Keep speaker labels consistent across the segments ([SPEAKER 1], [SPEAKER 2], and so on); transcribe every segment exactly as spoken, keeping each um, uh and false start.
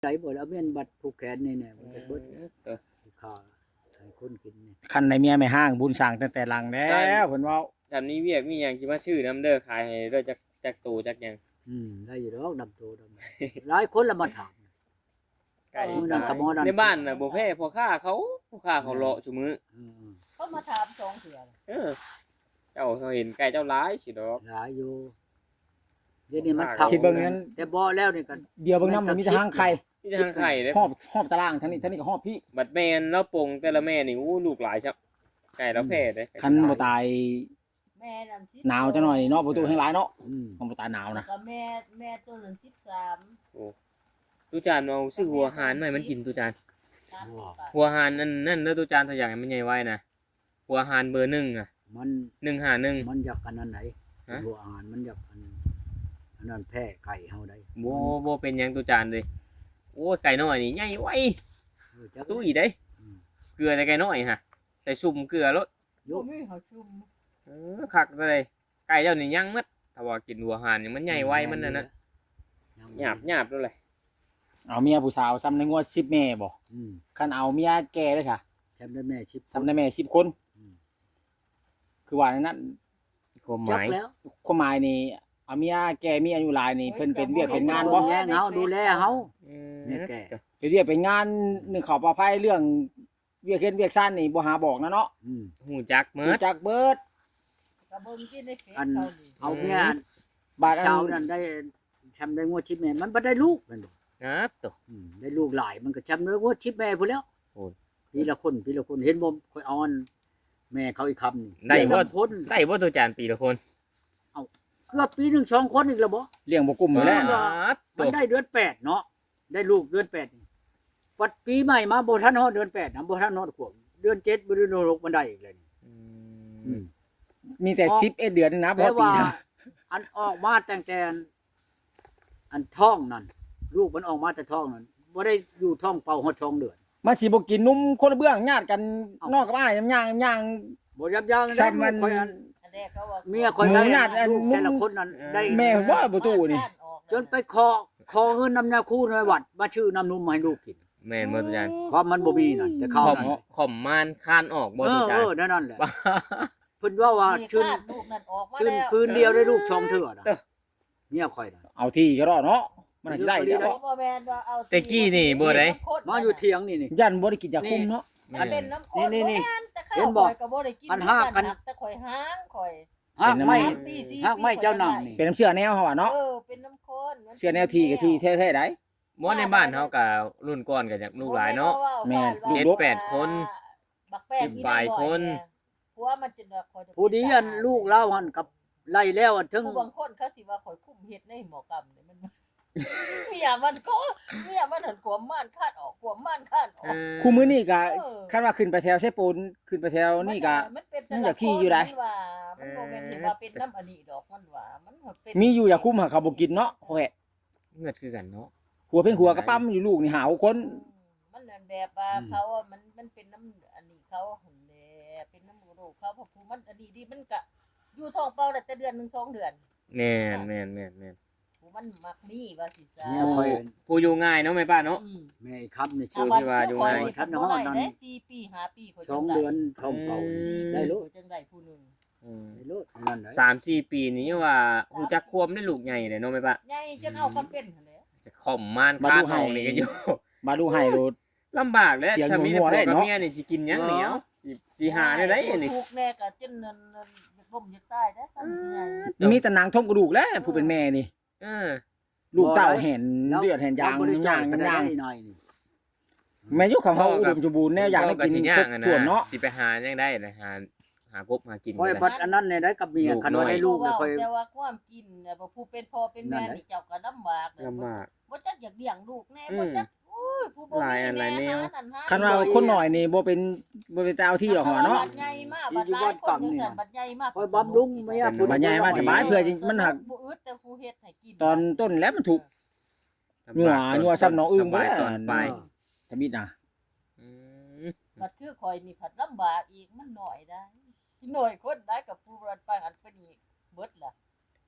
[SPEAKER 1] ใจบ่แล้วแม่นบัดผูกแขนนี่แน่บ่ได้เบิดค่าให้คนกินนี่
[SPEAKER 2] คันได้เมียไม่ห้างบุญสร้างตั้งแต่หลังแล้วเพิ่นเว้า
[SPEAKER 3] จำนี้เวียกมีหยังสิมาซื้อน้ำเด้อขายให้เด้อจักจักตูจักหยัง
[SPEAKER 1] อืมได้อยู่ดอกดำโตดำหลายคนละมาถาม
[SPEAKER 3] ไก่
[SPEAKER 1] มื้อนั้นก็บ่นั้น
[SPEAKER 3] ในบ้านน่ะบ่แพ้พ่อค้าเขาพ่อค้าเขาเลาะซุมื้อ
[SPEAKER 1] อือ
[SPEAKER 4] เขามาถามสองเถื่อ
[SPEAKER 3] เออเจ้าเขาเห็นไก่เจ้าหลายสิดอก
[SPEAKER 1] หลายอยู่เดี๋ยวนี้มัน
[SPEAKER 3] คิดเบิ่ง
[SPEAKER 2] นั้น
[SPEAKER 1] แต่บ่แล้วนี่ก็
[SPEAKER 2] เดี๋ยวเบิ่งนำมันมีแต่ห้างไข่
[SPEAKER 3] มีแต่ทางไข่เด้
[SPEAKER 2] หอบหอบตารางทั้งนี้ทั้งนี้ก็หอบพี่
[SPEAKER 3] บัดแม่นแล้วปงแต่ละแม่นี่อู้ลูกหลายซับไก่แล้วแพ้เด้
[SPEAKER 2] คันบ่ตาย
[SPEAKER 4] แม่นั่นสิบ
[SPEAKER 2] หนาวจังหน่อยเนาะประตูแห่งหลายเนาะ
[SPEAKER 1] อืม
[SPEAKER 2] มันบ่ตายหนาวนะ
[SPEAKER 4] ก็แม่แม่ตัวนั้นสิบสาม
[SPEAKER 3] ตุจานเอาซื้อหัวหารมาให้มันกินตุจาน
[SPEAKER 4] สามสิบบาท
[SPEAKER 3] หัวหารนั่นนั่นเด้อตุจานถ้าอยากให้มันใหญ่ไว้นะหัวหารเบอร์หนึ่งอ่ะ
[SPEAKER 1] มัน
[SPEAKER 3] หนึ่งห้าหนึ่ง
[SPEAKER 1] มันอยากกันอันไหน
[SPEAKER 3] ฮะ
[SPEAKER 1] หัวอาหารมันอยากอันอันนั้นแพ้ไก่เฮาได้
[SPEAKER 3] บ่บ่เป็นหยังตุจานเลยโอ้ยไก่น้อยนี่ใหญ่ไว้
[SPEAKER 1] เออจัก
[SPEAKER 3] ตู้อีเด้
[SPEAKER 1] อืม
[SPEAKER 3] เกลือแต่ไก่น้อยฮะใส่ซุ่มเกลือรส
[SPEAKER 1] ยุ
[SPEAKER 4] บ่
[SPEAKER 1] บ
[SPEAKER 4] มีเขาชุม
[SPEAKER 3] เออคักเลยไก่เจ้านี่ยังมัดถ้าว่ากินหัวหารนี่มันใหญ่ไว้มันนั่นน่ะหยาบหยาบด้วยเลย
[SPEAKER 2] เอาเมียผู้สาวซ้ำในงวดสิบแม่บ่
[SPEAKER 1] อืม
[SPEAKER 2] คันเอาเมียแก่เลยค่ะ
[SPEAKER 1] แชมป์ได้แม่ชิป
[SPEAKER 2] ซ้ำในแม่สิบคน
[SPEAKER 1] อืม
[SPEAKER 2] คือว่าในนั้น
[SPEAKER 3] ความห
[SPEAKER 1] จัก
[SPEAKER 3] มาย
[SPEAKER 1] แล้ว
[SPEAKER 2] ความหมายนี่เอาเมียแก่มีอายุหลายนี่เพิ่นเป็นเวียกเป็นงาน
[SPEAKER 1] บ่
[SPEAKER 2] บ่
[SPEAKER 1] แย่งเฮาดูแลเฮา
[SPEAKER 3] อืม
[SPEAKER 1] เนี่ยแก่
[SPEAKER 2] เป็นเวียกเป็นงานหนึ่งเขาปลอดภัยเรื่องเวียกเฮ็ดเวียกซ่านนี่บ่หาบอกนะเนาะ
[SPEAKER 1] อืม
[SPEAKER 3] หูจักเมิ
[SPEAKER 2] รู้
[SPEAKER 3] ด
[SPEAKER 2] จักเบิด
[SPEAKER 4] ก็เบิ่งที่ในเฟซ
[SPEAKER 1] อัน
[SPEAKER 4] เขานี่
[SPEAKER 1] เอาเมีย
[SPEAKER 2] บาดอัน
[SPEAKER 1] เช้านั้นได้แชมป์ได้งวดชิปแม่มันบ่ได้ลูกแม่นบ่
[SPEAKER 3] นะตัว
[SPEAKER 1] อืมได้ลูกหลายมันก็แชมป์ได้งวดชิปแม่พุ่นแล้ว
[SPEAKER 3] โอ้ย
[SPEAKER 1] ปีละคนปีละคนเห็นบ่ค่อยเอาอันแม่เขาอีกคำนี่
[SPEAKER 3] ได้บ่
[SPEAKER 1] ละคน
[SPEAKER 3] ได้บ่ตัวจานปีละคน
[SPEAKER 1] เกือบปีหนึงสองคนอีกแล้วบ่
[SPEAKER 2] เลี้ยงบ่กลุ่มอยู่แล้ว
[SPEAKER 1] อ่า
[SPEAKER 3] ตั
[SPEAKER 1] มัน
[SPEAKER 3] ว
[SPEAKER 1] ได้เดือนแปดเนาะได้ลูกเดือนแปดนี่ปัดปีใหม่มาบ่ทันฮอดเดือนแปดนะบ่ทันฮอดขวบเดือนเจ็ดบ่เดือนหกมันได้อีกเลยนี่
[SPEAKER 3] อื
[SPEAKER 1] อื
[SPEAKER 3] ม
[SPEAKER 1] ม
[SPEAKER 2] มีแต่สิบเอ็ดเดือนนึงนะบ่
[SPEAKER 1] แต่
[SPEAKER 2] ปี
[SPEAKER 1] ว่า
[SPEAKER 2] นะ
[SPEAKER 1] อันออกมาตั้งแต่อันอันท้องนั่นลูกมันออกมาแต่ท้องนั่นบ่ได้อยู่ท้องเป่าฮอดท้องเดือน
[SPEAKER 2] มันสิบ่กินนุ่มคนละเบื้องญาติกัน
[SPEAKER 1] เอ้า
[SPEAKER 2] นอกกับอ้ายย่างย่าง
[SPEAKER 1] บ่ยับยั้ง
[SPEAKER 2] ซ้ำมัน
[SPEAKER 1] ลูกข่อยอัน
[SPEAKER 4] อันแรกเขาว่า
[SPEAKER 1] เมียข่อย
[SPEAKER 2] หมู
[SPEAKER 1] ได้
[SPEAKER 2] ญาติอัน
[SPEAKER 1] ลูกแต่ละคนนั้นได้
[SPEAKER 2] แม่ว่าประตูนี่
[SPEAKER 1] จนไปขอขอเงินนำยาคูในวัดมาชื่อน้ำนมมาให้ลูกกิน
[SPEAKER 3] แม่นบ่ตัวจาน
[SPEAKER 1] เพราะมันบ่มีนั่นแต่เขา
[SPEAKER 3] ขอม
[SPEAKER 1] นั่น
[SPEAKER 3] ขอมมานคานออกบ่
[SPEAKER 1] เอ
[SPEAKER 3] ตัว
[SPEAKER 1] อ
[SPEAKER 3] จา
[SPEAKER 1] เอน อนั่นนั่นแหละ
[SPEAKER 3] ว้า
[SPEAKER 1] เพิ่นว่าว่า
[SPEAKER 4] มี
[SPEAKER 1] ชื่น
[SPEAKER 4] คาดลูกนั่นออกมา
[SPEAKER 1] ชื่น
[SPEAKER 4] แล้ว
[SPEAKER 1] พื้นเดียวได้ลูกชองเถื่อน่ะ
[SPEAKER 3] เด้อ
[SPEAKER 1] เมียข่อยน่ะ
[SPEAKER 2] เอาที่ก็รอดเนาะมันอาจจะได้
[SPEAKER 1] ได้
[SPEAKER 2] เดี๋ยว
[SPEAKER 4] บ่แม่นว่าเอา
[SPEAKER 3] แต่กี้นี่บ่ได้
[SPEAKER 1] มาอยู่เถียงนี่นี่
[SPEAKER 2] ยันบ่ได้กินยาคุมเนาะ
[SPEAKER 4] มันเป็นน้ำข้น
[SPEAKER 1] นี่นี่
[SPEAKER 4] บ่แม่แต่ข้าว
[SPEAKER 1] เห็นบ่
[SPEAKER 4] ข่อยก็บ่ได้กิน
[SPEAKER 1] อันห้ากัน
[SPEAKER 4] แต่ข่อยห้างข่อย
[SPEAKER 1] หากไม่
[SPEAKER 4] สามปีสี่
[SPEAKER 1] หากไม่เจ้านำนี่
[SPEAKER 2] เป็นน้ำเชื่อแนวเฮาอ่ะเนาะ
[SPEAKER 4] เออเป็นน้ำข้นมั
[SPEAKER 2] เชื่อแนวทีกับทีแท้ๆได้
[SPEAKER 3] บ่ในบ้านเฮาก็รุ่นก่อนก็อยากลูกหลายเนาะ
[SPEAKER 2] แม่น
[SPEAKER 3] เจ็ดแปดคน
[SPEAKER 4] บักแป้ง
[SPEAKER 3] สิบปลายคน
[SPEAKER 4] ผัวมันจะข่อยจะ
[SPEAKER 1] ผู้ดีอันลูกเล่าหันกับไล่แล้วอันถึง
[SPEAKER 4] ผู้บางคนเขาสิว่าข่อยคุ้มเฮ็ดในหมอกรรมเนี่ยมัน เมียมันก็เมียมันหันขวมม่านคาดออกขวมม่านคาดออก
[SPEAKER 2] คู่มื้อนี้ก็
[SPEAKER 4] เออ
[SPEAKER 2] คันว่าขึ้นไปแถวไชปูนขึ้นไปแถวนี่ก็
[SPEAKER 4] มันเป็น
[SPEAKER 2] มันอยากขี้อยู่ได้
[SPEAKER 4] มันว่ามันบ่แม่นที่ว่าเป็นน้ำอันนี้ดอกมันว่ามันเป็น
[SPEAKER 2] มีอยู่ยาคุมหาเขาบ่กินเนาะโอ้ย
[SPEAKER 3] เงิดคือกันเนาะ
[SPEAKER 2] หัวเพ่งหัวกระปั้มอยู่ลูกนี่หาคน
[SPEAKER 4] มันนั่นแบบว่าเขาอะมันมันเป็นน้ำอันนี้เขาหั่นแหละเป็นน้ำโรคเขาเพราะผู้มันอันนี้ดีมันก็อยู่ท้องเปล่าได้แต่เดือนหนึงสองเดือน
[SPEAKER 3] แม่นแม่นแม่นแม่น
[SPEAKER 4] ผู้มันมักมีว่าสิซะ
[SPEAKER 1] เมียข่อย
[SPEAKER 3] ผู้อยู่ง่ายเนาะแม่ป้าเนาะ
[SPEAKER 4] อืม
[SPEAKER 1] แม่อีกคำนี่
[SPEAKER 3] ชื่
[SPEAKER 1] ชื่
[SPEAKER 3] อ
[SPEAKER 1] อ
[SPEAKER 3] ที่ว่าอยู่ไง
[SPEAKER 1] ท่านฮอดนั่น
[SPEAKER 4] ได้สี่ปีห้าปีข้ย
[SPEAKER 1] สองเดือนท้องเป่า
[SPEAKER 3] อืม
[SPEAKER 1] ได้ลูก
[SPEAKER 4] ข้อยจังได้ผู้หนึง
[SPEAKER 3] อืม
[SPEAKER 1] ได้ลูกนั่นแหละ
[SPEAKER 3] สามสี่ปีนี้ว่าฮู้จักควมได้ลูกใหญ่เลยเนาะแม่ป้า
[SPEAKER 4] ใหญ่จนเอากันเป็นหั่นแหละ
[SPEAKER 3] จะข่อมม่านคานออกนี่ก็อยู่
[SPEAKER 2] มาดูให้โลด
[SPEAKER 3] ลำบากแล้ว
[SPEAKER 2] เสียง
[SPEAKER 3] ถ้ามีแต่
[SPEAKER 2] หัว
[SPEAKER 3] ผัว
[SPEAKER 2] ได้
[SPEAKER 3] กับ
[SPEAKER 2] เนาะ
[SPEAKER 3] เมียนี่สิกินหยังเหนียวสิสิหาได้ไดนี่
[SPEAKER 4] ถูกแน่ก็จนนั่นนั่นบ่มจะตายได้ซ้ำสิใหญ่
[SPEAKER 2] มีแต่หนังท่มกระดูกแล้วผู้เป็นแม่นี่
[SPEAKER 3] เออ
[SPEAKER 2] ลูกเต้าเห็นเลือดเห็นยาง
[SPEAKER 1] บ่ได้
[SPEAKER 2] ย่าง
[SPEAKER 1] ก็ได้
[SPEAKER 2] ย่าง
[SPEAKER 1] หน่อยนี่
[SPEAKER 2] แม่ยุคของเขาอุดมสมบูรณ์แนวอยากได้กิน
[SPEAKER 3] สิ
[SPEAKER 2] คร
[SPEAKER 3] ย่า
[SPEAKER 2] บ
[SPEAKER 3] งอะ
[SPEAKER 2] ถ้วน
[SPEAKER 3] นะ
[SPEAKER 2] เนาะ
[SPEAKER 3] สิไปหายังได้นะหาหากบหากิน
[SPEAKER 1] ข่อย
[SPEAKER 3] ก็
[SPEAKER 1] บั
[SPEAKER 3] ได้
[SPEAKER 1] ดอันนั้นเนี่ยได้กับเมีย
[SPEAKER 3] ลูก
[SPEAKER 1] คันว่า
[SPEAKER 3] น้อย
[SPEAKER 1] ได้ลูกแล้วข่อย
[SPEAKER 4] แต่ว่าความกินน่ะบ่ผู้เป็นพ่อเป็นแม่
[SPEAKER 1] นั่นแหละ
[SPEAKER 4] นี่เจ้าก็ลำบากเลย
[SPEAKER 3] ลำบาก
[SPEAKER 4] บ่จักอยากเลี้ยงลูกแน่
[SPEAKER 3] อืม
[SPEAKER 4] บ่จักโอ้ยผู้บ่
[SPEAKER 3] หลาย
[SPEAKER 4] มี
[SPEAKER 3] อันหลายแน
[SPEAKER 4] แน่
[SPEAKER 3] ว
[SPEAKER 4] หานั่นหา
[SPEAKER 2] คันว่าคนหน่อยนี่บ่เป็นบ่เป็นเจ้าที่หรอกหัวเนาะ
[SPEAKER 4] บัดใหญ่มากบัดหลายคนจังซั่นบัดใหญ่มาก
[SPEAKER 1] ข่อยบำรุงเมียผู้
[SPEAKER 2] บัดใหญ่มาสบายเพื่อจะมันหัก
[SPEAKER 4] บ่อึดแต่ผู้เฮ็ดให้กิน
[SPEAKER 2] ตอนต้นแล้วมันถูก หนัวหนัวซ้ำน้องอึ้ง
[SPEAKER 3] สบาย
[SPEAKER 2] บ่ได้
[SPEAKER 3] ตอนปลาย
[SPEAKER 2] ทมิดนะ
[SPEAKER 3] อืม
[SPEAKER 4] บัดคือข่อยนี่ผัดลำบากอีกมันน้อยได้หน่อยคนได้กับผู้รันไปหันไปนี่เบิดล่ะ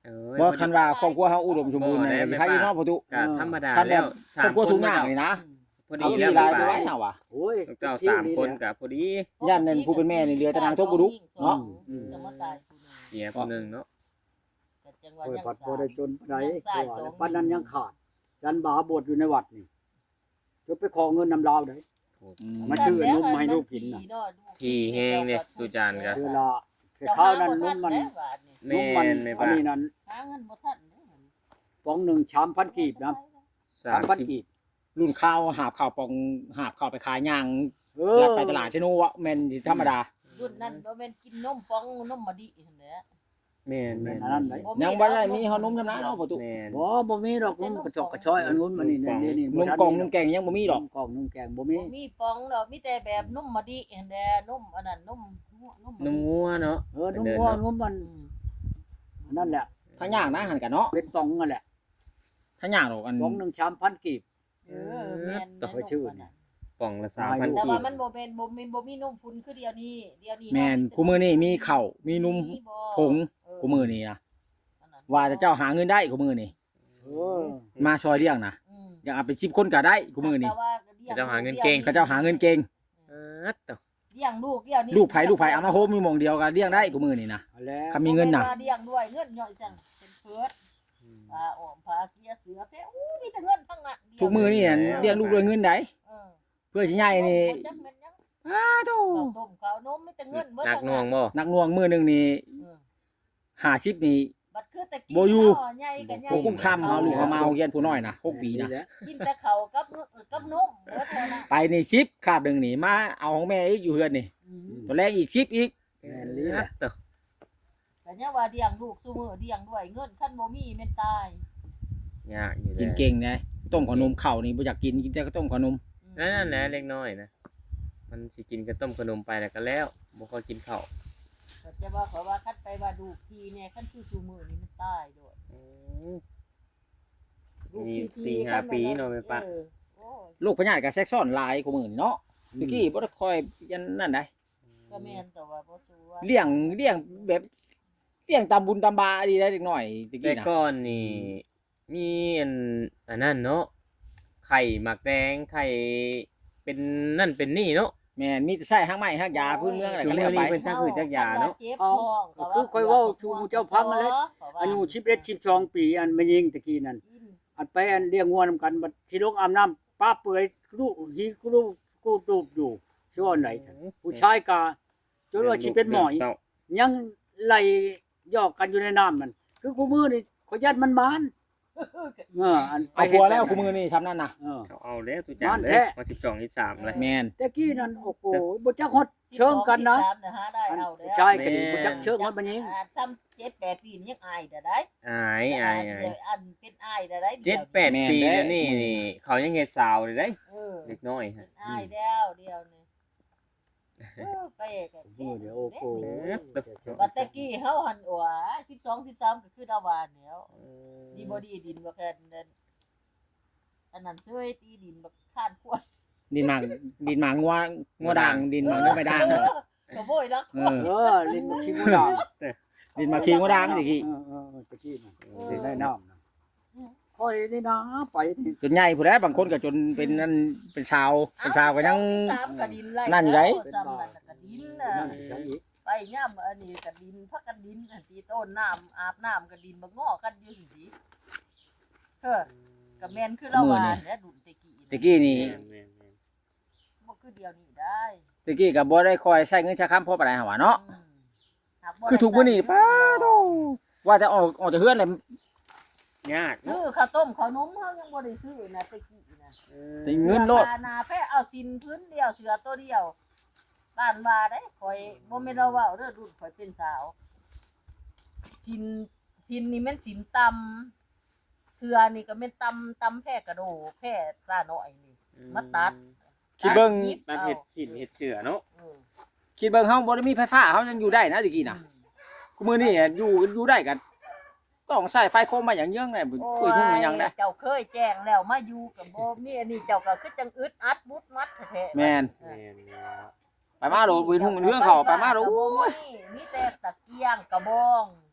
[SPEAKER 3] เออ
[SPEAKER 2] บ่คันว่าครอบครัวเฮาอุดมสมบูรณ์น่ะสิใครอยู่เนาะประตู
[SPEAKER 3] ก็ธรรมดา
[SPEAKER 2] คันแบ
[SPEAKER 3] แล้
[SPEAKER 2] บ
[SPEAKER 3] ว
[SPEAKER 2] ครอบครัวทุกอย่างนี่นะ
[SPEAKER 3] พอ
[SPEAKER 2] เอา
[SPEAKER 3] ดี
[SPEAKER 2] ที่
[SPEAKER 3] แล้ว
[SPEAKER 2] ลาย
[SPEAKER 3] ไป
[SPEAKER 2] ไปไว้เฮาว่ะ
[SPEAKER 1] โอ้ย
[SPEAKER 3] ลูกเต้าสามคนก็พอดี
[SPEAKER 2] ย่านนั้นผู้เป็นแม่นี่เหลือแต่นางทกบุรุษเนาะ
[SPEAKER 4] จะมาตายผู้หนึ่ง
[SPEAKER 3] เสียผู้หนึงเนาะ
[SPEAKER 4] แต่จังหวะ
[SPEAKER 1] โอ้ย
[SPEAKER 4] ยัง
[SPEAKER 1] ผัด
[SPEAKER 4] สา
[SPEAKER 1] บ่
[SPEAKER 4] ย
[SPEAKER 1] ได้จนปานใด
[SPEAKER 4] ยังสาย
[SPEAKER 1] เพราะว่า
[SPEAKER 4] สอง
[SPEAKER 1] ปานนั้นยังขาดจันบาบวชอยู่ในวัดนี่จะไปขอเงินนำลาวได้
[SPEAKER 2] อืม
[SPEAKER 1] มาชื่อนุ่มให้ลูกกินน่ะ
[SPEAKER 3] ที่แห้งเนี่ยตุจานก็
[SPEAKER 1] เวลาแต่ข้าวนั้นนุ่มมัน
[SPEAKER 3] แม่
[SPEAKER 1] นุ่มมัน
[SPEAKER 3] นแม่
[SPEAKER 1] อัน
[SPEAKER 3] ป้า
[SPEAKER 1] นี้นั้น
[SPEAKER 4] หาเงินบ่ทันเด้อ
[SPEAKER 1] ปองหนึ่งชามพันกีบนะ
[SPEAKER 3] สา
[SPEAKER 1] สาม
[SPEAKER 3] ม
[SPEAKER 1] พัน
[SPEAKER 3] สิบ
[SPEAKER 1] กีบ
[SPEAKER 2] รุ่นข้าวหาบข้าวปองหาบข้าวไปขายย่าง
[SPEAKER 1] เอ
[SPEAKER 2] แล้ว
[SPEAKER 1] อ
[SPEAKER 2] ไปตลาดเชนูวะแม่นสิธรรมดา
[SPEAKER 4] รุ่นนั้นบ่แม่นกินนมปองนมมะดิหั่นแหละ
[SPEAKER 3] แม่น
[SPEAKER 1] แม่
[SPEAKER 3] แม่
[SPEAKER 1] น
[SPEAKER 3] น
[SPEAKER 1] อันนั้นได้
[SPEAKER 2] ยังบ่ได้มีเฮานมจำนะเนาะประตู
[SPEAKER 3] แม่น
[SPEAKER 1] บ่บ่มีดอกนุ่มกระจอกกระชอยอันนู้นมานี่นี่นี่
[SPEAKER 2] นมกล่องนมแกงยังบ่มีดอก
[SPEAKER 1] นมกล่องนมแกงบ่มี
[SPEAKER 4] บ่มีปองดอกมีแต่แบบนมมะดิหั่นแหละนมอันนั้นนมนม
[SPEAKER 3] นมงัวเนาะ
[SPEAKER 1] เออนมง่วงนมมันอันนั่นแหละ
[SPEAKER 2] ทั้งย่างนะหันกันเนาะ
[SPEAKER 1] เป็นตองนั่นแหละ
[SPEAKER 2] ทั้งย่างดอกอัน
[SPEAKER 1] ปองหนึ่งชามพันกีบ
[SPEAKER 4] เออแม่น
[SPEAKER 1] ต่อไปชื่อนี่
[SPEAKER 3] ป่องละสามพัน
[SPEAKER 4] แต่
[SPEAKER 3] กี
[SPEAKER 4] ว่า
[SPEAKER 3] บ
[SPEAKER 4] มันบ่แม่นบ่แม่นบ่มีนมฝุ่นคือเดียวนี้เดียวนี้
[SPEAKER 2] แม่นคู่มือนี่มีข้าวมีนมผงคู่มือนี่นะว่าจะเจ้าหาเงินได้คู่มือนี่
[SPEAKER 1] เออ
[SPEAKER 2] มาซอยเลี้ยงนะ
[SPEAKER 4] อืม
[SPEAKER 2] อยากเอาเป็นสิบคนก็ได้คู่มือนี่
[SPEAKER 4] แต่ว่
[SPEAKER 3] เจ้าหาเงินเก่ง
[SPEAKER 2] เขาเจ้าหาเงินเก่ง
[SPEAKER 3] เออตอ
[SPEAKER 4] เลี้ยงลูกเดียวนี้
[SPEAKER 2] ลูกไผลูกไผเอามาโฮมมีหม่องเดียวก็เลี้ยงได้คู่มือนี่นะ
[SPEAKER 1] เอาแล้ว
[SPEAKER 2] ถ้ามีเงินน่ะ
[SPEAKER 4] บ่แว่าเลี้ยงด้วยเงินย่อยจังเป็นเพิดปลาอ้อมปลาเกียเสือแพ้อู้มีแต่เงินทั้งนั้นเดียว
[SPEAKER 2] ทุกมือนี่เลี้ยงลูกด้วยเงินได้
[SPEAKER 4] เออ
[SPEAKER 2] เพื่อสิใหญ่นี่
[SPEAKER 4] บ่จักแม่นยัง
[SPEAKER 2] อ้าโธ่
[SPEAKER 4] ข้าวต้มข้าวนมมีแต่เงินเบิด
[SPEAKER 3] หนัก
[SPEAKER 4] ทั้
[SPEAKER 3] หน่วงบ่
[SPEAKER 2] นักหน่วงมือหนึงนี่
[SPEAKER 4] เออ
[SPEAKER 2] ห้าสิบนี่
[SPEAKER 4] บัดคือตะกี้
[SPEAKER 2] บ่อยู่
[SPEAKER 4] เนาะใหญ่ก็ใหญ่
[SPEAKER 2] โอ้กุ้มค่ำเฮาลูกเขามาเอาเรียนผู้น้อยนะหกปีนะ
[SPEAKER 4] กินแต่ข้าวกับเงนกับนมเบิดเท่านั้น
[SPEAKER 2] ไปนี่สิบคาบหนึงนี่มาเอาของแม่อีกอยู่เฮือนนี่
[SPEAKER 4] อืม
[SPEAKER 2] ตัวแรกอีกสิบอีก
[SPEAKER 1] แม่นลีแหละ
[SPEAKER 3] ตอ
[SPEAKER 4] แต่เนี่ยว่าเลี้ยงลูกซุมื้อเลี้ยงด้วยเงินคันบ่มีแม่นตาย
[SPEAKER 3] ยากอยู่
[SPEAKER 2] กิน
[SPEAKER 3] แล้ว
[SPEAKER 2] เก่งนะต้มขนมข้าวนี่บ่อยากกินกินแต่ก็ต้มขนม
[SPEAKER 4] อืม
[SPEAKER 3] นั่นแหละเล็กน้อยนะมันสิกินกระต้มขนมไปแล้วก็แล้วบ่ค่อยกินข้าว
[SPEAKER 4] ก็จะว่าเขาว่าคันไปว่าดูกทีเนี่ยคันคือซุมื้อนี่มันตายโดด
[SPEAKER 3] อืม
[SPEAKER 4] ลูก
[SPEAKER 3] มี
[SPEAKER 4] ที
[SPEAKER 3] สี่ห้าปีเนาะแม่ปะ
[SPEAKER 4] เออโอ้ย
[SPEAKER 2] ลูกพญาติก็แซกซ้อนหลายกว่ามื้อนี่เนาะตะกี้บ่ได้ค่อยยันนั่นได้
[SPEAKER 4] ก็แม่นแต่ว่าบ่สู้ว่า
[SPEAKER 2] เลี้ยงเลี้ยงแบบเลี้ยงตามบุญตามบาดีได้เด็กน้อยตะ
[SPEAKER 3] แต่
[SPEAKER 2] กี้นะ
[SPEAKER 3] ก่อนนี่มีอันอันนั้นเนาะไข่หมักแดงไข่เป็นนั่นเป็นนี่เนาะ
[SPEAKER 2] แม่นมีแต่ใช้หางไม้หางยาพื้นเมืองอะไรก็แล้วไป
[SPEAKER 3] เป็นจักหือจักยาเนาะ
[SPEAKER 4] จ็บท้องก็
[SPEAKER 1] คือค่อยเว้าชูเจ้าพังนั่นแหละอายุสิบเอ็ด สิบสองปีอันมายิงตะกี้นั่นอันไปอันเลี้ยงงัวนำกันบัดสิลงอาบน้ำป้าเปื่อยลูกหีกลูกกูตูบอยู่ชื่อว่าไหนผู้ชายกาจนว่าสิเป็นหมอย ยังไหลยอกกันอยู่ในน้ำมันคือกูมือนี่ขอยัดมันมานเอออันไป
[SPEAKER 2] เอาผัวแล้วกูมือนี่ซ้ำนั่นน่ะ
[SPEAKER 1] เออ
[SPEAKER 3] เขาเอาแล้วตุจาน
[SPEAKER 1] มัน
[SPEAKER 3] เล
[SPEAKER 1] แท้
[SPEAKER 3] ยมาสิบสองสิบสามเลย
[SPEAKER 2] แม่น
[SPEAKER 1] แต่กี้นั่นโอ้โหบ่จักฮอดเชิงกันนะ
[SPEAKER 4] สิบสองสิบสามน่ะหาได้
[SPEAKER 1] อัน
[SPEAKER 4] เอาแล้ว
[SPEAKER 1] ชายก็ดีบ่จักเชิงฮอดมันยิง
[SPEAKER 4] อ่าซ้ำเจ็ดแปดปีนี่ยังอายได้ได้
[SPEAKER 3] อายอายอาย
[SPEAKER 4] เดี๋ยวอันเป็นอายได้ได้
[SPEAKER 3] เจ็ดแปดปีแล้วนี่นี่เขายังเฮ็ดสาวเลยได้
[SPEAKER 4] เออ
[SPEAKER 3] เด็กน้อย
[SPEAKER 4] เป็
[SPEAKER 3] ฮะ
[SPEAKER 4] นอายแล้วเดียวนี่เออไปกัน
[SPEAKER 1] โอ้เดี๋ยวโอ้โห
[SPEAKER 4] บัดตะกี้เฮาหันอัวสิบสอง สิบสามก็คือดาวานแล้วดีบ่ดีดินบ่แค่นั้นอันนั้นช่วยตีดินบักข้านกล้วย
[SPEAKER 2] ดินหมากดินหมากงัวงัวด่างดินหมากเนื้อไม่ด่าง
[SPEAKER 4] เออก็โบยรัก
[SPEAKER 2] เออ
[SPEAKER 1] เออลิ้นบ่ชิมูดา
[SPEAKER 2] ดินหมากขี้งัวด่างตะกี้
[SPEAKER 1] เออเออเออตะกี้น่ะสิได้น้ำน่ะค่อยนี่นะไปนี่
[SPEAKER 2] จนใหญ่ผู้ใดบางคนก็จนเป็นนั่นเป็นชาวเป็นชาวก็ยัง
[SPEAKER 4] สามก็ดินไล่
[SPEAKER 2] นั่นอยู่ไหน
[SPEAKER 4] ซ้ำนั่นก็ดินน่ะ
[SPEAKER 1] นั่นจังอีก
[SPEAKER 4] ไปย่ํอันนี้ก็ดินพักกันดินอันที่ต้นน้ำอาบน้ำก็ดินบ่งอกันอยู่สิเออก็แม่นคือเราว่าแหละดุนตะกี้
[SPEAKER 2] ตะกี้นี่
[SPEAKER 4] บ่คือเดียวนี้ได้
[SPEAKER 2] ตะกี้ก็บ่ได้คอยใช้เงินใช้คำพอปานใดหั่นว่าเนาะ
[SPEAKER 4] อืมหากบ่
[SPEAKER 2] คือทุกมื้อนี้ป้าโตว่าแต่ออกออกจากเฮือนเลย
[SPEAKER 3] ยาก
[SPEAKER 4] ซื้
[SPEAKER 3] เนาะ
[SPEAKER 4] อข้าวต้มข้าวนมเฮายังบ่ได้ซื้อนะตะกี้นะ
[SPEAKER 2] แต่เงินโลด
[SPEAKER 4] ปลานาแพ้เอาสินพื้นเดียวเสือตัวเดียวบ้านว่าได้ข่อยบ่แม่นเราเว้าเด้อรุ่นข่อยเป็นสาวสินสินนี่แม่นสินตำเสือนี่ก็แม่นตำตำแพ้กระโดแพ้ปลาน้อยนี่ มาตัด
[SPEAKER 2] คิดเบิ่ง
[SPEAKER 3] ตัดเห็ดฉีดเห็ดเสือเนาะ
[SPEAKER 4] เออ
[SPEAKER 2] คิดเบิ่งเฮาบ่ได้มีไฟฟ้าเฮายังอยู่ได้นะตะกี้น่ะกูมื้อนี้อยู่อยู่ได้กันต้องใช้ไฟโคมมาอย่างเยื่องได้บ่คุยทุ่งมันยังได้
[SPEAKER 4] เจ้าเคยแจ้งแล้วมาอยู่กับบ่มีอันนี้เจ้าก็คือจังอึดอัดมุดมัดแท้ๆ
[SPEAKER 2] แม่น
[SPEAKER 3] แม่นเนาะ
[SPEAKER 2] ไปมาโดคุยทุ่งมันเรื่องเขาไปมาโดโอ้ย
[SPEAKER 4] มีแต่ตะเกียงกระบอง
[SPEAKER 3] อ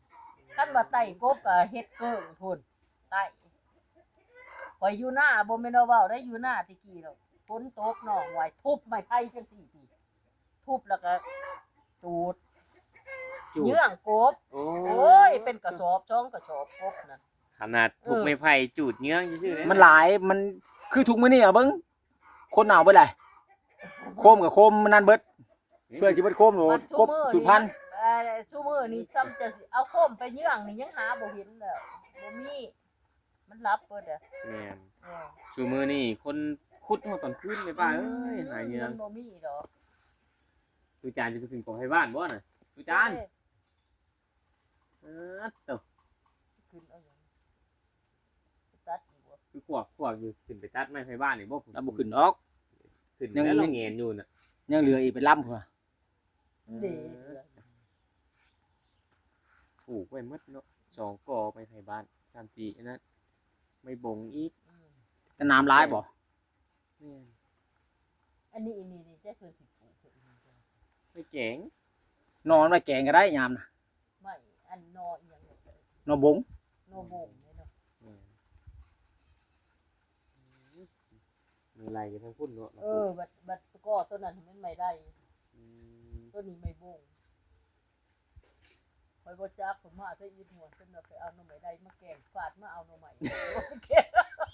[SPEAKER 4] คันว่าไต่กบก็เฮ็ดเกิ้งพุ่นไต่ข่อยอยู่หน้าบ่แม่นว่าเว้าได้อยู่หน้าตะกี้ดอกฝนตกน้องไว้ทุบไม้ไผ่จังซี่ทีทุบแล้วก็จูด
[SPEAKER 2] จูด
[SPEAKER 4] เยื่องกบ
[SPEAKER 3] โอ้
[SPEAKER 4] โอ้ยเป็นกระสอบช่องกระสอบกบนั่น
[SPEAKER 3] ขนาดถูกไม้ไผ่จูดเงี้ยงซื่อๆเลย
[SPEAKER 2] มันหลายมันคือทุกมื้อนี่อ่ะเบิ่งคนหนาวเบิดแหละโคมกับโคมมันนั่นเบิดเพื่อสิเบิดโคมโหกบสุดพันธุ์
[SPEAKER 4] เอ่อซุมื้อนี้ซ้ำจะสิเอาโคมไปเยื่องนี่ยังหาบ่เห็นแล้วบ่มีมันรับเบิดอ่ะ
[SPEAKER 3] แม่น
[SPEAKER 4] เออ
[SPEAKER 3] ชูมือนี่คนขุดหัวตอนคืนในบ้านเอ้ยหายเงี้ย
[SPEAKER 4] มันบ่มีดอก
[SPEAKER 3] ตูจานจะไปขึ้นกองให้บ้านบ่น่ะตูจานเออตก
[SPEAKER 4] ขึ้นเอาหยังตัดอีกบ่
[SPEAKER 3] คือขวบขวบอยู่ขึ้นไปตัดไม้ให้บ้านนี่บ่ผม
[SPEAKER 2] แล้วบ่ขึ้นออก
[SPEAKER 3] ขึ้น
[SPEAKER 2] ยัง
[SPEAKER 3] แล้วเราเงียนอยู่น่ะ
[SPEAKER 2] ยังเหลืออีกเป็นลำพุ่นว่ะ
[SPEAKER 4] เด้
[SPEAKER 3] ปลูกไว้หมดเนาะสองกอไม้ให้บ้านสามสี่อันนั้นไม่บงอีก
[SPEAKER 4] อืม
[SPEAKER 2] แต่น้ำร้ายบ่
[SPEAKER 3] แม่น
[SPEAKER 4] อันนี้อันนี้นี่จะคือสิปลูกเพิ่นนี่จ้ะ
[SPEAKER 3] ไม่เจ๋ง
[SPEAKER 2] นอนไว้แกงก็ได้ยามน่ะ
[SPEAKER 4] ไม่อันนออีหยังเนี่ย
[SPEAKER 2] นอบง
[SPEAKER 4] นอบงเนี่ยเนาะ
[SPEAKER 3] แม่นมือไหลกันทั้งพุ่นเนาะ
[SPEAKER 4] เออบัดบัดก็ต้นนั้นมันไม่ได้
[SPEAKER 3] ม
[SPEAKER 4] ต้นนี้ไม่บงคอยบ่จักผมมาซะอีหัวเพิ่นเอาไปเอาหน่อไม้ได้มาแกงฟาดมาเอาหน่อไม้แกง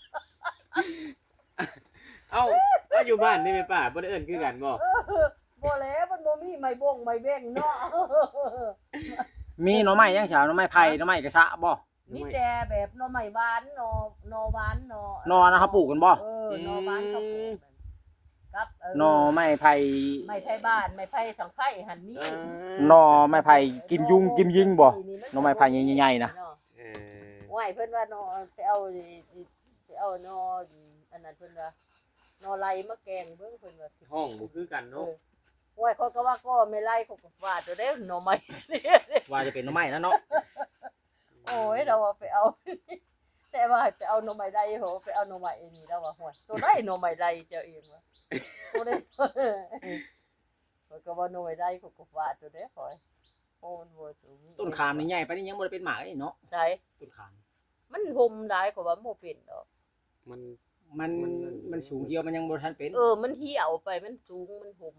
[SPEAKER 3] เอ้าก็อยู่บ้านนี่แม่ป้าบ่ได้เอิ้นคือกันบ่
[SPEAKER 4] เออบ่แล้วมันบ่มีไม้บงไม้แบ่งเนาะ
[SPEAKER 2] มีหน่อไม้ยังเฉาหน่อไม้ไผ่หน่อไม้กระชะบ่
[SPEAKER 4] มีแต่แบบหน่อไม้หวานหน่อหน่อหวานหน่อน
[SPEAKER 2] อนะเขาปลูกกันบ่
[SPEAKER 4] เออหน่อหวานเขาปลูกกันกับเออ
[SPEAKER 2] หน่อไม้ไผ่
[SPEAKER 4] ไม้ไผ่บ้านไม้ไผ่สังไผ่หันมี
[SPEAKER 3] เออ
[SPEAKER 2] หน่อไม้ไผ่กิมยุงกิมยิงบ่หน่อไม้ไผ่ใหญ่ๆนะ
[SPEAKER 3] เออ
[SPEAKER 4] ไหวเพิ่นว่าหน่อไปเอาไปเอาหน่ออันนั้นเพิ่นว่าหน่อไล่มาแกงเบิ่งเพิ่นว่า
[SPEAKER 3] ห้องบ่คือกัน
[SPEAKER 4] เอ
[SPEAKER 3] เนาะ
[SPEAKER 4] อไหวเขาก็ว่าก็ไม่ไล่เขาก็ฟาดตัวเด้อหน่อไม้
[SPEAKER 2] ว่าจะเป็นหน่อไม้นะเนาะ
[SPEAKER 4] โอ้ยเราว่าไปเอา แต่ว่าให้ไปเอาหน่อไม้ไล่โหไปเอาหน่อไม้อันนี้แล้วว่าห่วยตัวได้หน่อไม้ไล่เจ้าเองว่าตัวได้ มันก็ว่าหน่อไม้ไล่เขาก็ฟาดตัวเด้อข่อยโอ้มันบ่สูง
[SPEAKER 2] ต้นขามนี่ใหญ่ปานนี้ยังบ่ได้เป็นหมากเลยเนาะ
[SPEAKER 4] ใช่
[SPEAKER 2] ต้นขาม
[SPEAKER 4] มันห่มหลายกว่าว่าบ่เป็นดอก
[SPEAKER 3] มัน
[SPEAKER 2] มันมันสูงเดียวมันยังบ่ทันเป็น
[SPEAKER 4] เออ มันเหี่ยวไปมันสูงมันห่ม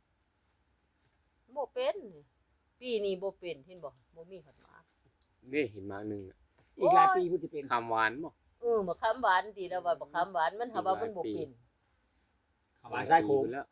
[SPEAKER 4] บ่เป็นปีนี้บ่เป็นเห็นบ่บ่มีหัดหมา
[SPEAKER 3] เด้เห็นมาหนึงอะ
[SPEAKER 2] อีกหลายปีพุ่นสิเป็น
[SPEAKER 3] คำหวานบ่
[SPEAKER 4] เออมะขามหวานดีแล้วว่ามะขามหวานมันหาว่ามันบ่เป็น
[SPEAKER 2] ขวานใส่โคม
[SPEAKER 3] แล้ว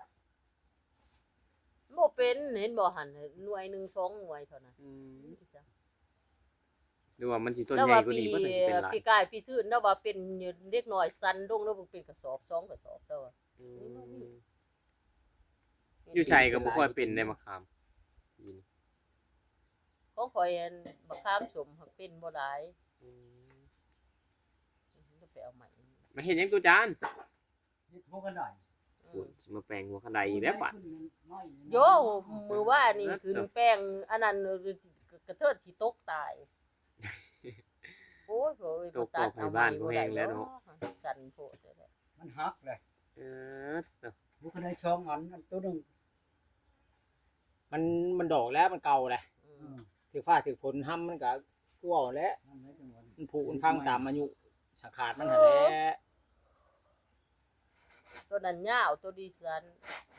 [SPEAKER 4] บ่เป็นเห็นบ่หั่นหน่วยหนึ่งสองหน่วยเท่านั้น
[SPEAKER 3] อืมหรือว่ามันสิต้น
[SPEAKER 4] แล้ว
[SPEAKER 3] ใหญ่
[SPEAKER 4] ว่าก
[SPEAKER 3] ว่า
[SPEAKER 4] ปี
[SPEAKER 3] นี้บ่ถึงสิเป็นหลาย
[SPEAKER 4] ปีกายปีซื่นแล้วว่าเป็นเด็กน้อยสันลงแล้วบ่เป็นกระสอบสองกระสอบแล้วว่า
[SPEAKER 3] อืมอยู่ชัยก็บ่ค่อยเป็นได้มะขามปีนี้
[SPEAKER 4] ของข่อยอันมะขามสมหักเป็นบ่หลาย
[SPEAKER 3] อืม
[SPEAKER 4] จะไปเอาใหม่
[SPEAKER 3] มาเห็นยังตัวจาน
[SPEAKER 1] เฮ็ดหัวกันได้
[SPEAKER 3] โอ้ยสิมาแปลงหัวคันไดอีกแล้วป่ะ
[SPEAKER 4] โยมือว่านี่ขึ้นแป้งอันนั้นกระเทิดสิตกตาย โอ้ยโอ้ย
[SPEAKER 3] ตกตกให้บ้านบ่แห้งแล้วเนาะ
[SPEAKER 4] สั่นโพดเลยแหละ
[SPEAKER 1] มันหักเลย
[SPEAKER 3] เออเนาะ
[SPEAKER 1] หัวกันได้ช่องอันอันตัวหนึง
[SPEAKER 2] มันมันดอกแล้วมันเก่าแหละ
[SPEAKER 4] อื
[SPEAKER 1] อื
[SPEAKER 4] ม
[SPEAKER 1] ม
[SPEAKER 2] ถือฟ้าถือฝนห้ำมันก็คือเว้าแหล้ว
[SPEAKER 1] นั่นแหละจังหวะ
[SPEAKER 2] มันผุมันพังตามอายุสังขารมันหั่นแหละ
[SPEAKER 4] ตัวนั้นยาวตัวดีสัน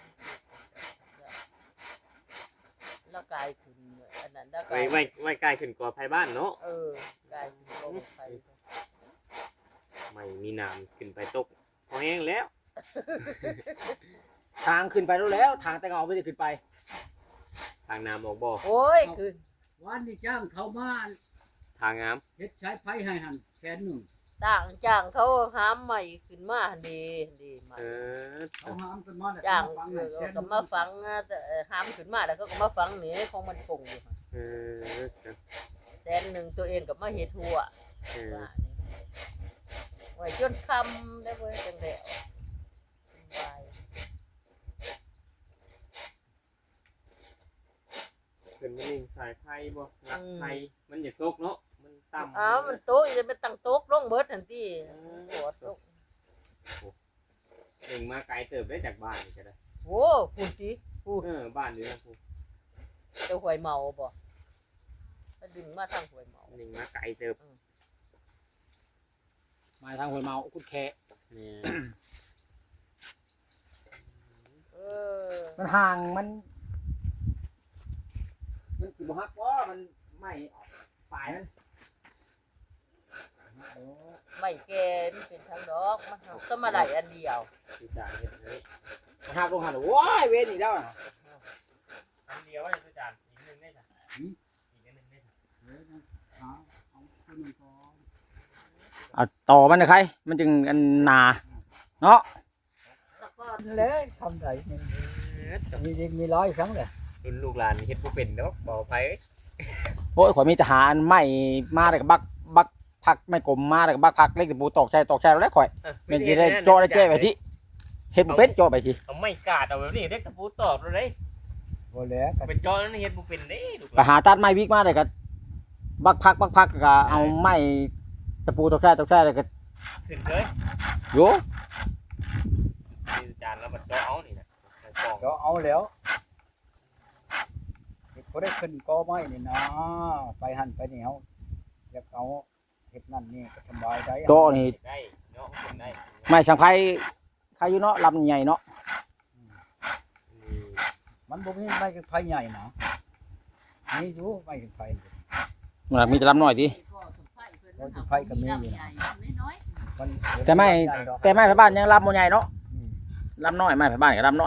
[SPEAKER 4] แล้วกลายขึ้นอันนั้นแล้วก
[SPEAKER 3] ไว้
[SPEAKER 4] ลาย
[SPEAKER 3] ไว้ไว้ใกล้ขึ้นกว่าภายบ้านเนาะ
[SPEAKER 4] เออกลายขึ้นลงไป
[SPEAKER 3] ไม่มีน้ำขึ้นไปตกพอแห้งแล้ว
[SPEAKER 2] ทางขึ้นไปแล้วแล้วทางแต่เงาไม่ได้ขึ้นไป
[SPEAKER 3] ทางน้ำออกบ่
[SPEAKER 4] โอ้ยขึ้น
[SPEAKER 1] วันนี้จ้างเขามา
[SPEAKER 3] ทางน้
[SPEAKER 1] เฮ็ดใช้ไผให้หันแสนหนึ่ง
[SPEAKER 4] ต่างจ้างเขาหามใหม่ขึ้นมาหั่นดีหั่นดีให
[SPEAKER 3] ำ
[SPEAKER 4] ม่
[SPEAKER 3] เออ
[SPEAKER 1] เขาหามกันมาแล้ว
[SPEAKER 4] จ้าง
[SPEAKER 1] ฟัง
[SPEAKER 4] เอ
[SPEAKER 1] ให้
[SPEAKER 4] อ
[SPEAKER 1] แสนห
[SPEAKER 4] ก็
[SPEAKER 1] นึ่ง
[SPEAKER 4] มาฟังนะแต่หามขึ้นมาแล้วก็มาฟังนี่ของมันคงอยู่หั่น
[SPEAKER 3] เออ
[SPEAKER 4] แสนหนึ่งตัวเองก็มาเฮ็ดหัว
[SPEAKER 3] เออ
[SPEAKER 4] ว่านี่ไว้จนคำได้เว้ยจังแล้วสบาย
[SPEAKER 3] ขึ้นมานิ่งสายไฟบ่รักไฟมันอย่าตกเนาะมันต่ำ
[SPEAKER 4] อ้าวมันโต๊ะจะไปตั้งโต๊ะลงเบิดทันทีปวดลง
[SPEAKER 3] เองมาไกลเติบได้จากบ้านนี่ก็ได้
[SPEAKER 4] โอ้พูดสิพูด
[SPEAKER 3] เออบ้านอยู่นะครู
[SPEAKER 4] เจ้าหวยเมาบ่ไปดึงมาทางหวยเมา
[SPEAKER 3] หนึ่งมาไกลเติบ
[SPEAKER 2] มาทางห้วยเมากุดแคะ
[SPEAKER 3] นี่
[SPEAKER 4] เออ
[SPEAKER 2] มันห่างมันมันสิบ่ฮักว่ามันไม่ออกปลายมัน
[SPEAKER 4] ไม่แก่มันเป็นทางดอกมันหักก็มาได้อันเดียว
[SPEAKER 3] ที่จานเฮ็ดอันนี้
[SPEAKER 2] มันหักลงหันโอ้ยเวรอีกแล้วน่ะ
[SPEAKER 3] อันเดียวไอ้ที่จานอีกหนึงได้จ้ะอีกอันหนึงได้จ้ะ
[SPEAKER 2] เอาต่อมันนะใครมันจึงอันหนาเนาะ
[SPEAKER 4] แล้วก็
[SPEAKER 1] เลยทำได้นี่มียิงมีร้อยครั้งเลย
[SPEAKER 3] รุ่นลูกหลานเฮ็ดบ่เป็นดอกบ่ไผ
[SPEAKER 2] โอ้ยข่อยมีทหารไม่มาแต่กับบักบักพักไม่กลมมาแต่กับบักพักเล็กแต่ปูตอกใจตอกใจแล้วแหละข่อยมันจะได้โจได้แจ้ไปที่เฮ็ดบ่เป็นโจไปที่
[SPEAKER 3] เอาไม้กาดเอาแบบนี้เด็กตะปูตอกเลย
[SPEAKER 1] บ่แล้วก็
[SPEAKER 3] เป็นจอนั้นเฮ็ดบ่เป็นเด้ลูกห
[SPEAKER 2] ไป
[SPEAKER 3] ลาน
[SPEAKER 2] หาตัดไม้วิกมาเลยก็บักพักบักพักก็เอาไม้ตะปูตอกใจตอกใจเลยก็
[SPEAKER 3] ขึ้นเฉย
[SPEAKER 2] โย
[SPEAKER 3] นี่จานแล้วมันจอเอานี่นะใส่กล่อง
[SPEAKER 1] ก็เอาแล้วบ่ได้ขึ้นกอไม้นี่นะไปหั่นไปนี่เฮาอยากเอาเฮ็ดนั่นนี่ก็สบายได้
[SPEAKER 2] โจนี่
[SPEAKER 3] ได้เนาะขึ้นได้
[SPEAKER 2] ไม้สังไพใครอยู่เนาะลำใหญ่เนาะ
[SPEAKER 3] นี่
[SPEAKER 1] มันบ่มีไม้ไผ่ใหญ่นะมีอยู่ไม้ไผ่
[SPEAKER 2] มันมีแต่ลำน้อยดิ
[SPEAKER 4] พ่อสมไผ่เพิ่นมันหาของมีลำใหญ่น้อย
[SPEAKER 1] มัน
[SPEAKER 2] แต่ไม่แต่ไม้ไผ่บ้านยังลำบ่ใหญ่เนาะ
[SPEAKER 1] อืม
[SPEAKER 2] ลำน้อยไม้ไผ่บ้านก็ลำน้อย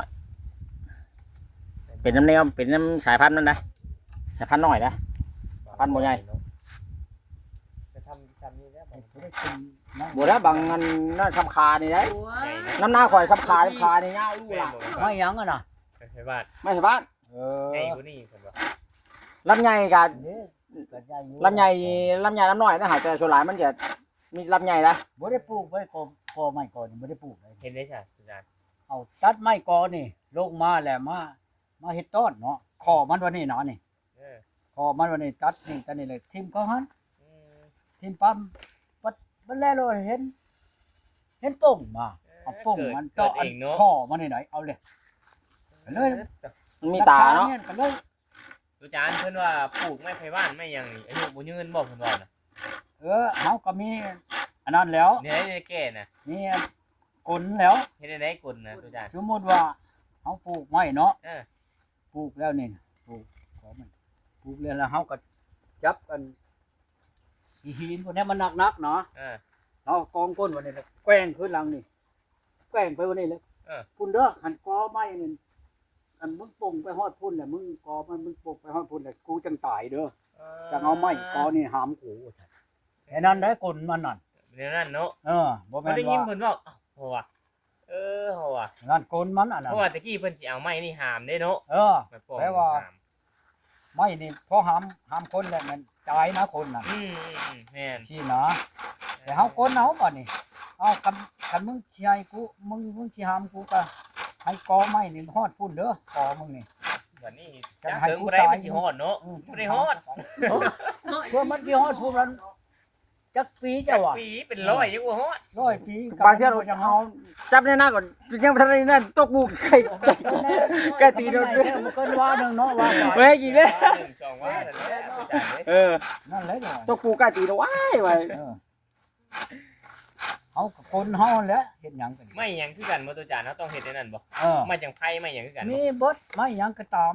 [SPEAKER 2] เป็นน้ำแนวเป็นน้ำสายพันธุ์นั่นนะสายพันธุ์น้อยนะ พันบ่ใหญ่
[SPEAKER 3] จะทำซ้ำนี่แล้วบ่
[SPEAKER 1] บ่ได้ขึ้นนะ
[SPEAKER 2] บ่ได้บางอันนั่นสำคานี่ได้
[SPEAKER 4] ๆโอ้ย
[SPEAKER 2] น้ำหน้าข่อยสำคาสำคานี่ยาวลูกหล่ะ
[SPEAKER 1] ไม้หยังอ่ะน่ะ
[SPEAKER 3] ใช่บ้าน
[SPEAKER 2] ไม้ไผ่บ้าน
[SPEAKER 1] เออ
[SPEAKER 3] ใหญ่กว่านี้เพิ่นว่า
[SPEAKER 2] ลำใหญ่กับ
[SPEAKER 1] นี่ก็ใหญ่อยู่
[SPEAKER 2] ลำใหญ่ลำใหญ่ลำน้อยนะหาแต่ส่วนหลายมันจะมีลำใหญ่นะ
[SPEAKER 1] บ่ได้ปลูกบ่ได้กอกอไม้กอนี่บ่ได้ปลูกเลย
[SPEAKER 3] เห็นได้ใช่อาจารย์
[SPEAKER 1] เอาตัดไม้กอนี่ลงมาแล้วมามาเฮ็ดต้นเนาะคอมันวันนี้เนาะนี่
[SPEAKER 3] เออ
[SPEAKER 1] คอมันวันนี้ตัดนี่ตัดนี่เลยทิ่มเขาหัน
[SPEAKER 3] อืม
[SPEAKER 1] ทิ่มปั๊มปัดมันแล้วเลยเห็น เห็นป่งมาเอาป่งมัน
[SPEAKER 3] เกิ
[SPEAKER 1] ต่อ
[SPEAKER 3] ด
[SPEAKER 1] อั
[SPEAKER 3] เอน งเนาะ
[SPEAKER 1] คอมันนี่ไหนเอาเลยเลย
[SPEAKER 2] มันมีตาเนาะ
[SPEAKER 1] รคยก็เลย
[SPEAKER 3] อาจารย์เพิ่นว่าปลูกไม้ไผ่บ้านไม่หยังนี่อายุบ่ยืนบ่เพิ่นว่าน่ะ
[SPEAKER 1] เออเฮาก็มีอันนั้นแล้ว
[SPEAKER 3] เนี่ยได้แก่น่ะ
[SPEAKER 1] มีกลแล้ว
[SPEAKER 3] เฮ็ดได้ได้กลนะอาจารย์
[SPEAKER 1] สมมุติว่าเฮาปลูกไม้เนาะ
[SPEAKER 3] เออ
[SPEAKER 1] ปลูกแล้วนี่ปลูกขอมันปลูกแล้วแล้วเฮาก็จับกันอีหินพวกนี้มันหนักๆเนาะ
[SPEAKER 3] เออ
[SPEAKER 1] เอากองก้นวันนี้เลยแกว้งขึ้นหลังนี่แกว้งไปวันนี้เลย
[SPEAKER 3] เออ
[SPEAKER 1] พุ่นเด้อหันกอไม้นี่อันมึงป่งไปฮอดพุ่นแหละมึงกอมันมึงป่งไปฮอดพุ่นแหละกูจังตายเด้อจังเอาไม้กอนี่หามกูไอ้นั่นได้กลมันนั่น
[SPEAKER 3] เดี๋ยวนั้นเนาะ
[SPEAKER 1] เออบ่
[SPEAKER 3] บ่
[SPEAKER 1] แม่น
[SPEAKER 3] ได้ยิน
[SPEAKER 1] ว่า
[SPEAKER 3] เพิ่นว่าอ้าวเพราะว่าเออเพราะว่า
[SPEAKER 1] นั่นกลมันอันนั้น
[SPEAKER 3] เพราะว่าตะกี้เพิ่นสิเอาไม้นี่หามเด้เนาะ
[SPEAKER 1] เออ
[SPEAKER 3] ไม้ปอก
[SPEAKER 1] แปลว่า
[SPEAKER 3] หาม
[SPEAKER 1] ไม้นี่พอหามหามคนแล้วมันตายนะคนน่ะ
[SPEAKER 3] อืมอืมอืมแม่น
[SPEAKER 1] ที่นะแต่เฮากลเอาบ่นี่เอาคันคันมึงสิให้กูมึงมึงสิหามกูก็ให้กอไม้นี่ฮอดพุ่นเด้อกอมึงนี่
[SPEAKER 3] บัดนี้
[SPEAKER 1] จะ
[SPEAKER 3] จัก
[SPEAKER 1] ให้
[SPEAKER 3] เถิง
[SPEAKER 1] กู
[SPEAKER 3] บ่ได้
[SPEAKER 1] ตาย
[SPEAKER 3] มันสิฮอดเนาะ
[SPEAKER 1] อืม
[SPEAKER 3] บ่ได้ฮอด
[SPEAKER 1] เพื่อมันสิฮอดพุ่นนั้นจักปี
[SPEAKER 3] จั
[SPEAKER 1] จ้ะ
[SPEAKER 3] ก
[SPEAKER 1] วะ
[SPEAKER 3] ปีเป็นร้อยยังบ่ฮอด
[SPEAKER 1] ร้อยปี
[SPEAKER 2] บางเที่ยวเราจะเอาจับในหน้าก่อนยังไม่ทันได้นั่นตกบูไก่ไก่ไก่ตีโดนด้วย
[SPEAKER 1] มันก็ว่าหนึงเนาะว่าไป
[SPEAKER 2] เว้ยกี่เลย
[SPEAKER 3] หนึ่งสองว่านั่นแหละอาจารย์เด้
[SPEAKER 2] เออ
[SPEAKER 1] นั่นแหละจ้ะ
[SPEAKER 2] ตกปูไก่ตีนะว้ายไว้
[SPEAKER 1] เออเฮาก็คนเฮาแหละเฮ็ดหยังกัน
[SPEAKER 3] ไม่หยังคือกันบ่ตัวอาจารย์เฮาต้องเฮ็ดได้นั่นบ่
[SPEAKER 1] เออ
[SPEAKER 3] ไม่จังไผไม่หยังคือกัน
[SPEAKER 1] มี
[SPEAKER 3] บ่
[SPEAKER 1] เบิดไม่หยังก็ตาม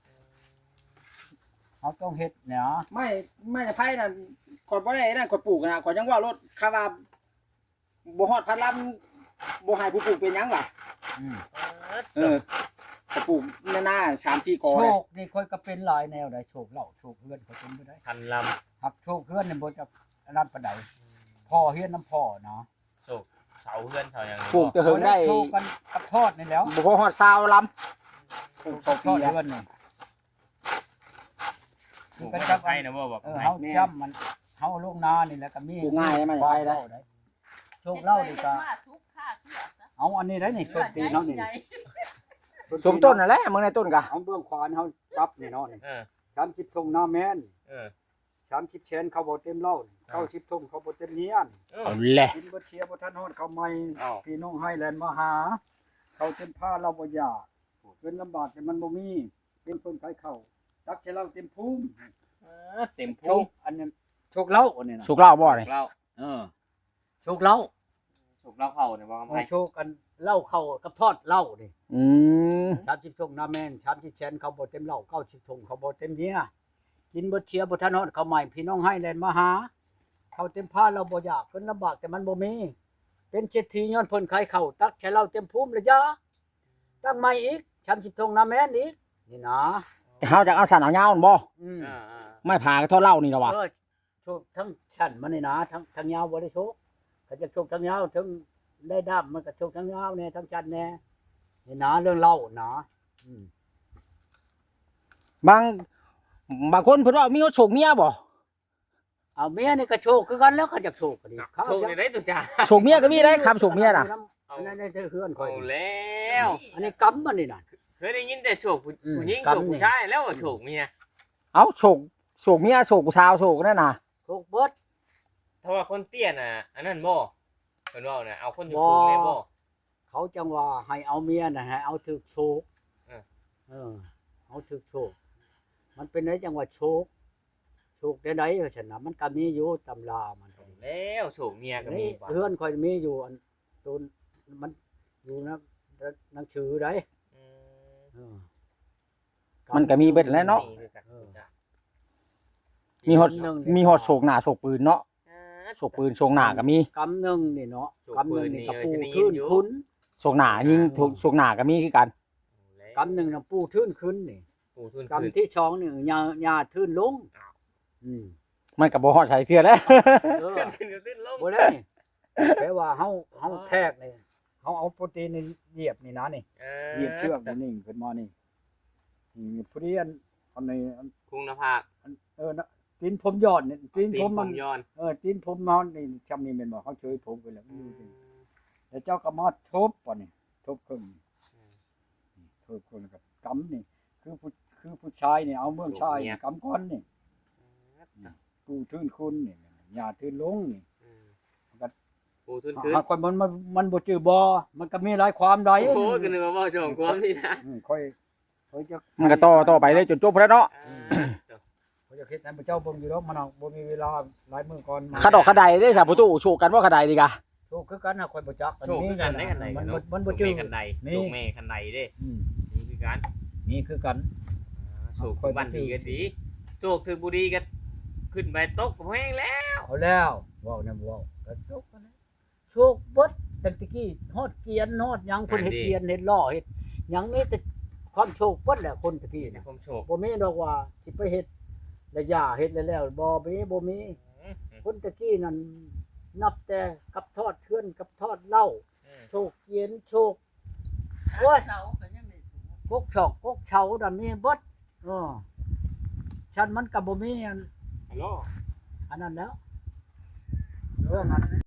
[SPEAKER 1] เฮาต้องเฮ็ดเนี่ย
[SPEAKER 2] ไม่ไม่ไพ่นั่นขอดบ่ได้นั่นขอดปลูกนะขอดยังว่ารถคาว่าบ่ฮอดพันลำบ่ให้ผู้ปลูกเป็นหยังล่ะ
[SPEAKER 1] อืม
[SPEAKER 2] เออขอปลูกในหน้าสามสี่กอ
[SPEAKER 1] โช
[SPEAKER 2] เลย
[SPEAKER 1] คนี่ค่อยก็เป็นหลายแนวได้โชคเหล่าโชคเพื่อนก็เป็นไปได้
[SPEAKER 3] พันลำ
[SPEAKER 1] หักโชคเพื่อนนี่บ่จะอันนั้นปานใดพ่อเฮียนน้ำพ่อเนาะ
[SPEAKER 3] โศกเสาเฮือนเสาหยังนี่
[SPEAKER 2] ปลูกจะเหิงได้
[SPEAKER 1] โชคกันกับทอดนี่แล้ว
[SPEAKER 2] บ่พอฮอดซาวลำปลูก
[SPEAKER 1] โช
[SPEAKER 2] สอง
[SPEAKER 1] คท
[SPEAKER 2] ปี
[SPEAKER 1] อด
[SPEAKER 2] แล้ว
[SPEAKER 1] เพื่อนนี่
[SPEAKER 3] ปลูกจับไผนะบ่บอก
[SPEAKER 1] เออ
[SPEAKER 3] ไผ
[SPEAKER 1] เฮาจำมันเฮาลงนานี่แหละก็มี
[SPEAKER 2] ปลูกง่ายไหมไปได้
[SPEAKER 1] โชคเล่านี่ก็
[SPEAKER 4] มาทุกค่าเที่ยวซะ
[SPEAKER 1] เอาอันนี้ได้นี่โชคปีเนาะนี่
[SPEAKER 4] ใหญ่
[SPEAKER 2] สมต้นนั่นแหละมึงในต้นกะ
[SPEAKER 1] เอาเบื้องขวานเฮาจับนี่เนาะนี่
[SPEAKER 3] เออ
[SPEAKER 1] สามสิบทงหน้าแม่น
[SPEAKER 3] เออ
[SPEAKER 1] สามสิบเชนเขาบ่เต็มเหล้า
[SPEAKER 3] อ่า
[SPEAKER 1] เก้าสิบทงเขาบ่เต็มเนียน
[SPEAKER 3] เออ
[SPEAKER 2] เอาแหละ
[SPEAKER 1] กินบ่เชียร์บ่ทันฮอดเขาใหม่
[SPEAKER 3] อ้าว
[SPEAKER 1] พี่น้องไฮแลนด์มาหา เขาเต็มผ้าเราบ่อยากเงินลำบากแต่มันบ่มีเป็นคนขายข้าวตักให้เราเต็มภูมิ
[SPEAKER 3] ออเต็ม
[SPEAKER 1] โช
[SPEAKER 3] พุง
[SPEAKER 1] คอันนี้โชคเล่าอันนี้นะ
[SPEAKER 2] สุกเหล้าบ่นี่
[SPEAKER 3] เรา
[SPEAKER 1] เออโชคเล่า
[SPEAKER 3] สุกเราเข้าเนี่ยว่า
[SPEAKER 1] เอ
[SPEAKER 3] ไผ
[SPEAKER 1] อโชคกันเหล้าเข้ากับทอดเหล้านี่
[SPEAKER 2] อืม
[SPEAKER 1] สามสิบชงน้าแม่นสามสิบแสนเขาบ่เต็มเหล้าเก้าสิบชงเขาบ่เต็มเมียกินบ่เชียบ่ทันฮอดเขาใหม่พี่น้องให้แล่นมาหาเขาเต็มผ้าเราบ่อยากเพิ่นลำบากแต่มันบ่มีเป็นเศรษฐีย้อนเพิ่นขายข้าวตักใช้เหล้าเต็มภูมิเลยจ้าตั้งใหม่อีกสามสิบชงน้าแม่นอีกนี่นะ
[SPEAKER 2] เฮาจะเอาสันเอายาวนั่นบ่
[SPEAKER 1] อืม
[SPEAKER 3] อ่า
[SPEAKER 2] ไม่ผ่าก็เท่าเหล้านี่ล่ะวะ
[SPEAKER 1] เออโชคทั้งชั้นมันนี่นะทั้งทั้งยาวบ่ได้โชคเขาจะโชคทั้งยาวทั้งได้ด้ามมันก็โชคทั้งยาวแน่ทั้งชั้นแน่นี่นะเรื่องเหล้านะอืม
[SPEAKER 2] บางบางคนเพิ่นว่ามีโชคเมียบ่
[SPEAKER 1] เอาเมียนี่ก็โชคคือกันแล้วเขาจะโชคก็ดีเขา
[SPEAKER 3] โชคในได้ตุจ้า
[SPEAKER 2] โชคเมียก็มีได้คำโชคเมียน่ะ
[SPEAKER 1] อันนั้นได้เฮือนคอ
[SPEAKER 3] เอา
[SPEAKER 1] ย
[SPEAKER 3] แล้ว
[SPEAKER 1] อันนี้กำมันนี่น่ะ
[SPEAKER 3] เคยได้ยินแต่โชคผู้
[SPEAKER 1] อืม
[SPEAKER 3] ผู้หญิง
[SPEAKER 1] กรรม
[SPEAKER 3] โชค
[SPEAKER 1] นี่
[SPEAKER 3] ผู้ชายแล้วว่าโชคเมีย
[SPEAKER 2] เอ้าโชคโชคเมียโชคผู้สาวโชคนั่นน่ะ
[SPEAKER 1] โชคเบิด
[SPEAKER 3] ถ้าว่าคนเตี้ยน่ะอันนั้นบ่เพิ่นว่าน่ะเอาคนอยู่
[SPEAKER 1] บ่
[SPEAKER 3] สูงแม่บ่
[SPEAKER 1] เขาจังว่าให้เอาเมียน่ะให้เอาถึกโชค
[SPEAKER 3] เออ
[SPEAKER 1] เออเอาถึกโชค มันเป็นไดจังว่าโชคโชคได้ไดว่าซั่นน่ะมันก็มีอยู่ตำรามันก็ดี
[SPEAKER 3] แล้วโชคเมียก็มี
[SPEAKER 1] นี่
[SPEAKER 3] บ่
[SPEAKER 1] เฮือนคอยมีอยู่อันตูนมันอยู่นะหนังสือได้
[SPEAKER 3] อืม
[SPEAKER 1] เออ
[SPEAKER 2] มันก็มีเบิดแล้วเนาะ
[SPEAKER 3] มีคือกันจ้ะ
[SPEAKER 2] มีฮอดมีฮอดโชคหน้าโชคปืนเนาะ
[SPEAKER 3] อ่า
[SPEAKER 2] โชคปืนโชคหน้าก็มี
[SPEAKER 1] กำหนึงนี่เนาะ
[SPEAKER 3] โชค
[SPEAKER 1] กำหนึงนี่ก็
[SPEAKER 3] ปื
[SPEAKER 1] ปู
[SPEAKER 3] นนี่
[SPEAKER 1] ทื่น
[SPEAKER 3] เออฉันได้ยินอยู่
[SPEAKER 1] คุณ
[SPEAKER 2] โชคหน้ายิงโชคโชคหน้าก็มีคือกัน
[SPEAKER 1] กำหนึงน่ะปูทื่นขึ้นนี่
[SPEAKER 3] ปูทุน
[SPEAKER 1] กำที่สองนี่ยาญาทื่นลงอืม
[SPEAKER 2] มันก็บ่ฮอดใช้เทื่อแล้ว
[SPEAKER 1] เออ
[SPEAKER 3] ขึ้นขึ้นขึ้นลง
[SPEAKER 1] บ่ได้นี่แปลว่าเฮาเฮาแทกนี่เฮาเอาโปรตีนนี่เหยียบนี่นะนี่
[SPEAKER 3] เอ
[SPEAKER 1] เหยียบเชือกนี่นิ่งขึ้นมานี่นี่ผู้เรียนอันนี้อัน
[SPEAKER 3] คุงหน้าผาก
[SPEAKER 1] อันเออนะตีนผมยอดนี่ตีน
[SPEAKER 3] ตี
[SPEAKER 1] ผ
[SPEAKER 3] น
[SPEAKER 1] ม
[SPEAKER 3] ผ
[SPEAKER 1] มัน
[SPEAKER 3] มย้อน
[SPEAKER 1] เออตีนผมมันนี่จำนี่แม่นบ่เฮาเฉยผมไปแล้วอยู่นี่แล้วเจ้าก็มาทบป่ะนี่ทบครึ่งนี่ทบครึ่งกับกำนี่ คือผู้คือผู้ชายนี่เอาเมืองชายนี่กำก้อนนี่ปูทื่นคุณนี่หญ้าทื่นลงนี่
[SPEAKER 3] ปูทุนขึ้น
[SPEAKER 1] หากคนมันมันมันบ่จือบ่มันก็มีหลายความใด
[SPEAKER 3] โอ้โหก็นึกว่าบ่ชมความนี่นะ
[SPEAKER 1] อืมค่อยค่อยจะ
[SPEAKER 2] มันก็ต่อต่อไปเลยจนจบแล้วเนาะ
[SPEAKER 1] ค่อยจะคิดให้พระเจ้าเบิ่งอยู่ดอกมันเอาบ่มีเวลาหลายมื้อก่อน
[SPEAKER 2] ขะดอกขะไดเด้ซะประตูโชคกันว่าขะไดดีกะ
[SPEAKER 1] โชคคือกันหาค่อยบ่จัก
[SPEAKER 3] โชคคือกันได้กันใด
[SPEAKER 1] มัน
[SPEAKER 3] เนาะ
[SPEAKER 1] มันบ่จือ
[SPEAKER 3] กันใด
[SPEAKER 1] นี่
[SPEAKER 3] โชคแม่กันใดเด้
[SPEAKER 1] อืม
[SPEAKER 3] นี่คือกัน
[SPEAKER 1] มีคือกัน
[SPEAKER 3] โชคคือบ้านดีก็ดีโชคคือบุรีก็ขึ้นไปตกแห้งแล้ว
[SPEAKER 1] เอาแล้วเว้านํเว้าก็จบกันแล้วโชคเบิดตั้งแต่กี้ฮอดเกียนฮอดหยังเพิ่นเฮ็ดเกียนเฮ็ดล้อเฮ็ดหยังนี่แต่ความโชคเบิดแหละคนตะกี้
[SPEAKER 3] มี
[SPEAKER 1] น่ะ
[SPEAKER 3] ความโชค
[SPEAKER 1] บ่มีดอกว่าสิไปเฮ็ดแล้วย่าเฮ็ดแล้วแล้วบ่มีบ่มีคนตะกี้นั่นนับแต่กับทอดเทือนกับทอดเหล้าโชคเกียนโชค โอ้ย
[SPEAKER 4] เสาก็ยังได้สูง
[SPEAKER 1] กกชอกกกเฉานั่นมีเบิดเออฉันมันก็บ่มีอัน
[SPEAKER 3] ฮัลโหล
[SPEAKER 1] อันนั้นแล้วเรื่องนั้น